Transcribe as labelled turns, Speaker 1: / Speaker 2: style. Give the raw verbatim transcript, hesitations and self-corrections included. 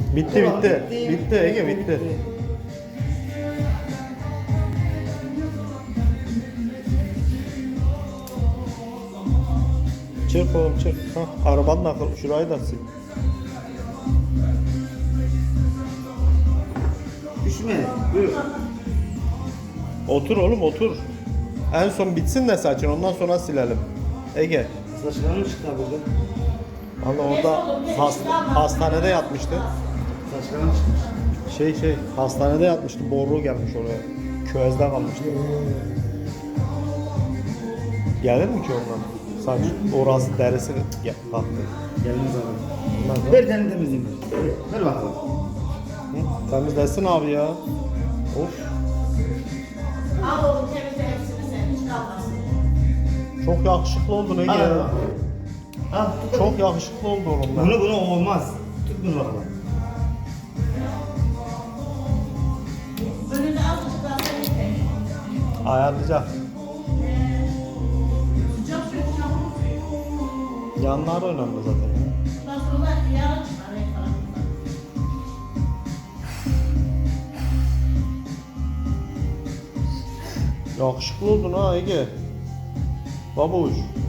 Speaker 1: Bitti bitti. Bitti Ege bitti. Çırp oğlum çırp. Hah, arabanın akıllı. Şurayı da sil.
Speaker 2: Düşme. Buyur.
Speaker 1: Otur oğlum otur. En son bitsin de saçın ondan sonra silelim. Ege.
Speaker 2: Saçlarım çıktı burada.
Speaker 1: Valla orada hasta, hastanede yatmıştı.
Speaker 2: Saçlarım çıkmış.
Speaker 1: Şey şey hastanede yatmıştı. Boruğu gelmiş oraya. Küvezde kalmıştı. Gelir mi ki ondan? Saç orası derisi gel, kalktı.
Speaker 2: Gelmez abi.
Speaker 1: Ondan sonra-
Speaker 2: Ver tane temizleyeyim. Ver bakalım.
Speaker 1: Hı, temizlesin abi ya. Of.
Speaker 3: Al oğlum temizle hepsini sen hiç kalmasın.
Speaker 1: Çok yakışıklı oldun Ege.
Speaker 2: Al.
Speaker 1: ya.
Speaker 2: Al.
Speaker 1: Çok yakışıklı oldu oğlum ben.
Speaker 2: Bunu bunu olmaz. Tut bunu bakalım.
Speaker 3: Önünde azıcık daha sen yeter.
Speaker 1: Ayarlayacak.
Speaker 3: Sıcak su sıcak.
Speaker 1: Yanlar önemli zaten ya.
Speaker 3: Ondan sonra yarın çıkar en tarafından.
Speaker 1: Yakışıklı oldun ha Ege. Babuş.